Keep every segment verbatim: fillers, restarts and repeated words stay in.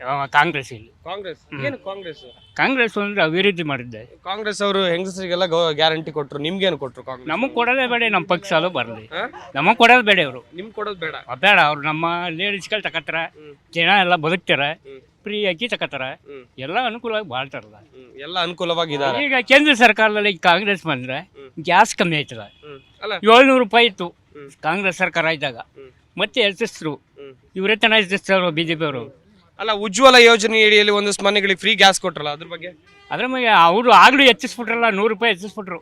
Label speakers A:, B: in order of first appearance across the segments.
A: ಕಾಂಗ್ರೆಸ್ ಇಲ್ಲಿ
B: ಕಾಂಗ್ರೆಸ್ ಏನು ಕಾಂಗ್ರೆಸ್
A: ಕಾಂಗ್ರೆಸ್ ಅಂದ್ರೆ ಅಭಿವೃದ್ಧಿ ಮಾಡಿದ್ದೆ.
B: ಕಾಂಗ್ರೆಸ್ ಅವರು ಹೆಂಗಸರಿಗೆಲ್ಲ ಗ್ಯಾರಂಟಿ ಕೊಟ್ರು, ನಿಮ್ಗೇನು ಕೊಟ್ರು ಕಾಂಗ್ರೆಸ್?
A: ನಮಗೆ ಕೊಡೋದೇ ಬೇಡ, ನಮ್ಮ ಪಕ್ಷ ಬರಲಿ. ನಮಗೆ ಕೊಡೋದು ಬೇಡ, ಅವರು
B: ನಿಮ್ ಕೊಡೋದು ಬೇಡ
A: ಬೇಡ. ಅವ್ರು ನಮ್ಮ ಲೇಡೀಸ್ಗಳು ತಕತ್ತಾರ, ಜನ ಎಲ್ಲ ಬದುಕ್ತಾರ, ಫ್ರೀ ಅಕ್ಕಿ ತಕತ್ತಾರ, ಎಲ್ಲ ಅನುಕೂಲವಾಗಿ ಬಾಳ್ತಾರಲ್ಲ,
B: ಎಲ್ಲ ಅನುಕೂಲವಾಗಿದ್ದಾರೆ.
A: ಈಗ ಕೇಂದ್ರ ಸರ್ಕಾರದಲ್ಲಿ ಕಾಂಗ್ರೆಸ್ ಬಂದ್ರೆ ಗ್ಯಾಸ್ ಕಮ್ಮಿ ಆಯ್ತದ.
B: ಅಲ್ಲ
A: ಏಳ್ನೂರು ರೂಪಾಯಿ ಇತ್ತು ಕಾಂಗ್ರೆಸ್ ಸರ್ಕಾರ ಇದ್ದಾಗ, ಮತ್ತೆ ಹೆಚ್ಚಿಸ್ರು. ಇವರೇ ತನ ಹೆಚ್ಚಿಸ್ತಾರ ಬಿಜೆಪಿ ಅವರು.
B: ಅಲ್ಲ, ಉಜ್ವಲ ಯೋಜನೆ ಅಡಿಯಲ್ಲಿ ಒಂದಷ್ಟು ಮನೆಗಳಿಗೆ ಫ್ರೀ ಗ್ಯಾಸ್ ಕೊಟ್ರಲ್ಲ, ಅದ್ರ ಬಗ್ಗೆ?
A: ಅದ್ರ ಮೇಲೆ ಅವರು ಆಗ್ಲೂ ಹೆಚ್ಚಿಸ್ಬಿಟ್ರಲ್ಲ, ನೂರು ರೂಪಾಯಿ ಹೆಚ್ಚಿಸ್ಬಿಟ್ರು.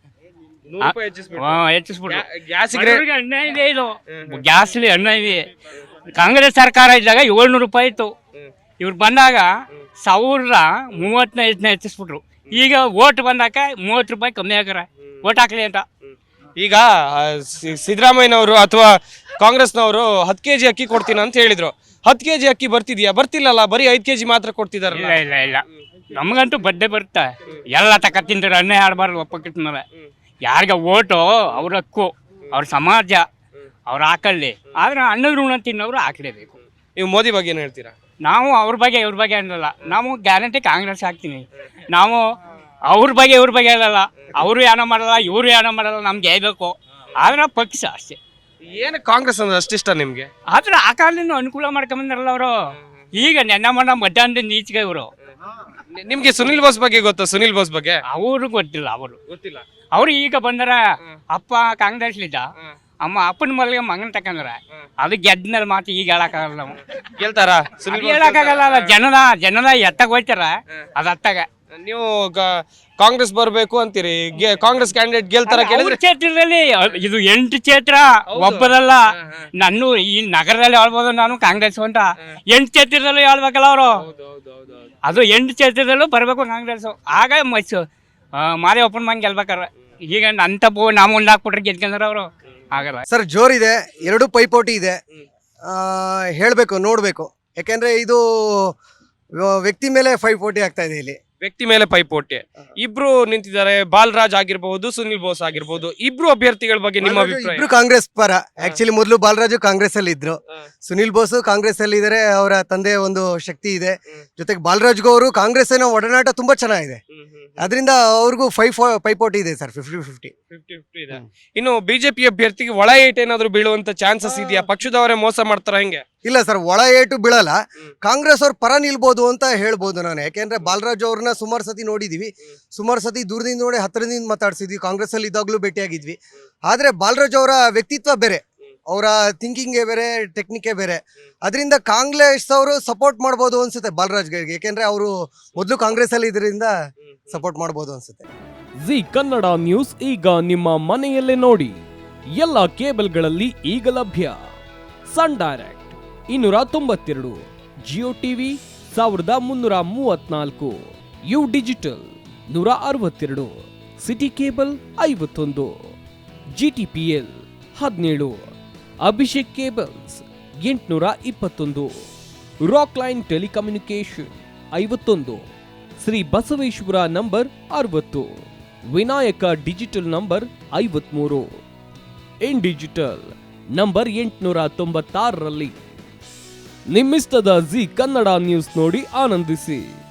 A: ಹೆಚ್ಚಿಸ್ಬಿಟ್ರು. ಅನ್ಯಾಯ ಇದೆ ಇದು, ಗ್ಯಾಸ್ಲಿ ಅನ್ಯಾಯ ಇದೆ. ಕಾಂಗ್ರೆಸ್ ಸರ್ಕಾರ ಇದ್ದಾಗ ಏಳ್ನೂರು ರೂಪಾಯಿ ಇತ್ತು, ಇವ್ರು ಬಂದಾಗ ಸಾವಿರದ ಮೂವತ್ತೈದನ್ನ ಹೆಚ್ಚಿಸ್ಬಿಟ್ರು. ಈಗ ಓಟ್ ಬಂದಾಕ ಮೂವತ್ತು ರೂಪಾಯಿ ಕಮ್ಮಿ ಹಾಕಾರ, ಓಟ್ ಹಾಕ್ಲಿ ಅಂತ.
B: ಈಗ ಸಿದ್ದರಾಮಯ್ಯನವರು ಅಥವಾ ಕಾಂಗ್ರೆಸ್ನವರು ಹತ್ತು ಕೆಜಿ ಅಕ್ಕಿ ಕೊಡ್ತೀನಿ ಅಂತ ಹೇಳಿದ್ರು. ಹತ್ತು ಕೆಜಿ ಅಕ್ಕಿ ಬರ್ತಿದ್ಯಾ? ಬರ್ತಿಲ್ಲಲ್ಲ, ಬರೀ ಐದು ಕೆಜಿ ಮಾತ್ರ ಕೊಡ್ತಿದಾರೆ.
A: ಇಲ್ಲ ಇಲ್ಲ ಇಲ್ಲ ನಮಗಂತೂ ಬಡ್ಡೆ ಬರುತ್ತೆ. ಎಲ್ಲ ತಕ ತಿಂತಾರೆ, ಅನ್ಯಾಯ ಆಡಬಾರ್ದು ಒಪ್ಪಕ್ಕಿಟ್ಟ ಮೇಲೆ. ಯಾರಿಗ ಓಟು ಅವ್ರ ಹಕ್ಕು, ಅವ್ರ ಸಮಾಜ, ಅವ್ರು ಹಾಕಲ್ಲಿ. ಆದ್ರೆ ಅನ್ನದ ಋಣ ತಿನ್ನೋರು ಹಾಕಲೇಬೇಕು.
B: ನೀವು ಮೋದಿ ಬಗ್ಗೆ ಏನು ಹೇಳ್ತೀರಾ?
A: ನಾವು ಅವ್ರ ಬಗ್ಗೆ ಇವ್ರ ಬಗ್ಗೆ ಅನ್ನಲ್ಲ, ನಾವು ಗ್ಯಾರಂಟಿ ಕಾಂಗ್ರೆಸ್ ಹಾಕ್ತೀನಿ. ನಾವು ಅವ್ರ ಬಗ್ಗೆ ಇವ್ರ ಬಗ್ಗೆ ಹೇಳಲ್ಲ. ಅವರು ಏನೋ ಮಾಡಲ್ಲ, ಇವರು ಏನೋ ಮಾಡಲ್ಲ, ನಮ್ಗೆ ಗೆಲ್ಬೇಕು. ಆದ್ರೆ ಪಕ್ಷ ಅಷ್ಟೇ.
B: ಏನು ಕಾಂಗ್ರೆಸ್ ಅಂದ್ರೆ ಅಷ್ಟಿಷ್ಟ ನಿಮ್ಗೆ?
A: ಆದ್ರೆ ಆ ಕಾಲದಿಂದ ಅನುಕೂಲ ಮಾಡ್ಕೊಂಬಂದ್ರಲ್ಲ ಅವರು. ಈಗ ನೆನ್ನ ಮಣ್ಣ ಮಧ್ಯಾಹ್ನದಿಂದ ಈಚೆಗೆ ಇವರು.
B: ನಿಮ್ಗೆ ಸುನಿಲ್ ಬೋಸ್ ಬಗ್ಗೆ ಗೊತ್ತಾ? ಸುನಿಲ್ ಬೋಸ್ ಬಗ್ಗೆ
A: ಅವರು ಗೊತ್ತಿಲ್ಲ. ಅವರು
B: ಗೊತ್ತಿಲ್ಲ.
A: ಅವ್ರು ಈಗ ಬಂದಾರ. ಅಪ್ಪ ಕಾಂಗ್ರೆಸ್ಲಿದ್ದ, ಅಮ್ಮ ಅಪ್ಪನ ಮಲ್ಗೆ ಮಗನ ತಕಂದ್ರ. ಅದು ಗೆದ್ಮೇಲೆ ಮಾತು ಈಗ ಹೇಳಕ್ಕಾಗಲ್ಲ. ನಾವು
B: ಕೇಳ್ತಾರ ಸುನಿಲ್
A: ಹೇಳಕ್ಕಾಗಲ್ಲ. ಜನದ ಜನದ ಎತ್ತಾಗ ಹೋಯ್ತಾರ, ಅದು ಅತ್ತಾಗ.
B: ನೀವು ಕಾಂಗ್ರೆಸ್ ಬರ್ಬೇಕು ಅಂತೀರಿ, ಕಾಂಗ್ರೆಸ್ ಕ್ಯಾಂಡಿಡೇಟ್ ಗೆಲ್ತಾರ ಕೇಳಿದ್ರೆ?
A: ಕ್ಷೇತ್ರದಲ್ಲಿ ಇದು ಎಂಟು ಕ್ಷೇತ್ರ ಒಬ್ಬರಲ್ಲ. ನಾನು ಈ ನಗರದಲ್ಲಿ ಹೇಳ್ಬೋದು ನಾನು ಕಾಂಗ್ರೆಸ್ ಅಂತ. ಎಂಟು ಕ್ಷೇತ್ರದಲ್ಲೂ ಹೇಳ್ಬೇಕಲ್ಲ ಅವರು. ಅದು ಎಂಟು ಕ್ಷೇತ್ರದಲ್ಲೂ ಬರ್ಬೇಕು ಕಾಂಗ್ರೆಸ್. ಆಗ ಮೈಸೂರು ಮಾದೇವಪ್ಪನ ಮಂಗ್ ಗೆಲ್ಬೇಕಾರ. ಈಗ ನನ್ನ ತಪ್ಪು ನಾವು ಒಂದು ಹಾಕ್ಬಿಟ್ರೆ ಗೆದ್ಕೊಂಡ್ರ ಅವರು ಆಗಲ್ಲ.
C: ಸರ್ ಜೋರಿದೆ, ಎರಡು ಪೈಪೋಟಿ ಇದೆ. ಹೇಳಬೇಕು, ನೋಡಬೇಕು. ಯಾಕೆಂದ್ರೆ ಇದು ವ್ಯಕ್ತಿ ಮೇಲೆ ಪೈಪೋಟಿ ಆಗ್ತಾ ಇದೆ. ಇಲ್ಲಿ
B: ವ್ಯಕ್ತಿ ಮೇಲೆ ಪೈಪೋಟಿ ಇಬ್ರು ನಿಂತಿದ್ದಾರೆ. ಬಾಲರಾಜ್ ಆಗಿರ್ಬಹುದು, ಸುನಿಲ್ ಬೋಸ್ ಆಗಿರ್ಬಹುದು. ಇಬ್ರು ಅಭ್ಯರ್ಥಿಗಳ ಬಗ್ಗೆ ನಿಮ್ಮ ಅಭಿಪ್ರಾಯ?
C: ಇಬ್ರು ಕಾಂಗ್ರೆಸ್ ಪರ. ಆಕ್ಚುಲಿ ಮೊದಲು ಬಾಲರಾಜು ಕಾಂಗ್ರೆಸ್ ಅಲ್ಲಿ ಇದ್ರು, ಸುನಿಲ್ ಬೋಸ್ ಕಾಂಗ್ರೆಸ್ ಅಲ್ಲಿ ಇದಾರೆ. ಅವರ ತಂದೆ ಒಂದು ಶಕ್ತಿ ಇದೆ. ಜೊತೆಗೆ ಬಾಲರಾಜ್ಗೂ ಅವರು ಕಾಂಗ್ರೆಸ್ ಒಡನಾಟ ತುಂಬಾ ಚೆನ್ನಾಗಿದೆ. ಅದರಿಂದ ಅವ್ರಿಗೂ ಫೈವ್ ಪೈಪೋಟಿ ಇದೆ sir. Fifty fifty
B: fifty fifty ಇದೆ. ಇನ್ನು ಬಿಜೆಪಿ ಅಭ್ಯರ್ಥಿಗೆ ಒಳ ಏಟ್ ಏನಾದ್ರು ಬೀಳುವಂತ ಚಾನ್ಸಸ್ ಇದೆಯಾ? ಪಕ್ಷದವರೇ ಮೋಸ ಮಾಡ್ತಾರ ಹೆಂಗೆ?
C: ಇಲ್ಲ ಸರ್, ಒಳ ಏಟು ಬೀಳಲ್ಲ. ಕಾಂಗ್ರೆಸ್ ಅವ್ರ ಪರ ನಿಲ್ಬೋದು ಅಂತ ಹೇಳ್ಬೋದು ನಾನು. ಯಾಕೆಂದ್ರೆ ಬಾಲರಾಜ್ ಅವ್ರನ್ನ ಸುಮಾರು ಸತಿ ನೋಡಿದೀವಿ, ಸುಮಾರು ಸತಿ ದೂರದಿಂದ ನೋಡಿ ಹತ್ತಿರದಿಂದ ಮಾತಾಡ್ಸಿದ್ವಿ. ಕಾಂಗ್ರೆಸ್ ಅಲ್ಲಿ ಇದ್ದಾಗ್ಲೂ ಭೇಟಿಯಾಗಿದ್ವಿ. ಆದ್ರೆ ಬಾಲರಾಜ್ ಅವರ ವ್ಯಕ್ತಿತ್ವ ಬೇರೆ, ಅವರ ಥಿಂಕಿಂಗೇ ಬೇರೆ, ಟೆಕ್ನಿಕೇ ಬೇರೆ. ಅದರಿಂದ ಕಾಂಗ್ರೆಸ್ ಅವರು ಸಪೋರ್ಟ್ ಮಾಡ್ಬೋದು ಅನ್ಸುತ್ತೆ ಬಾಲರಾಜ್ಗೆ. ಯಾಕೆಂದ್ರೆ ಅವರು ಮೊದಲು ಕಾಂಗ್ರೆಸ್ ಅಲ್ಲಿ ಇದರಿಂದ ಸಪೋರ್ಟ್ ಮಾಡ್ಬೋದು ಅನ್ಸುತ್ತೆ.
D: ಜಿ ಕನ್ನಡ ನ್ಯೂಸ್ ಈಗ ನಿಮ್ಮ ಮನೆಯಲ್ಲೇ ನೋಡಿ. ಎಲ್ಲ ಕೇಬಲ್ಗಳಲ್ಲಿ ಈಗ ಲಭ್ಯ. ಸನ್ ಡೈರೆಕ್ಟ್ ಇನ್ನೂರ ತೊಂಬತ್ತೆರಡು, ಜಿಯೋ ಟಿವಿ ಸಾವಿರದ ಮುನ್ನೂರ ಮೂವತ್ನಾಲ್ಕು, ಯು ಡಿಜಿಟಲ್ ನೂರ ಅರವತ್ತೆರಡು, ಸಿಟಿ ಕೇಬಲ್ ಐವತ್ತೊಂದು, ಜಿ ಟಿ ಪಿ ಎಲ್ ಹದಿನೇಳು, ಅಭಿಷೇಕ್ ಕೇಬಲ್ಸ್ ಎಂಟುನೂರ ಇಪ್ಪತ್ತೊಂದು, ರಾಕ್ ಲೈನ್ ಟೆಲಿಕಮ್ಯುನಿಕೇಶನ್ ಐವತ್ತೊಂದು, ಶ್ರೀ ಬಸವೇಶ್ವರ ನಂಬರ್ ಅರವತ್ತು, ವಿನಾಯಕ ಡಿಜಿಟಲ್ ನಂಬರ್ ಐವತ್ಮೂರು, ಇನ್ ಡಿಜಿಟಲ್ ನಂಬರ್ ಎಂಟುನೂರ ತೊಂಬತ್ತಾರರಲ್ಲಿ. ನಿಮ್ಮಿಸ್ತದ ಜಿ ಕನ್ನಡ ನ್ಯೂಸ್ ನೋಡಿ ಆನಂದಿಸಿ.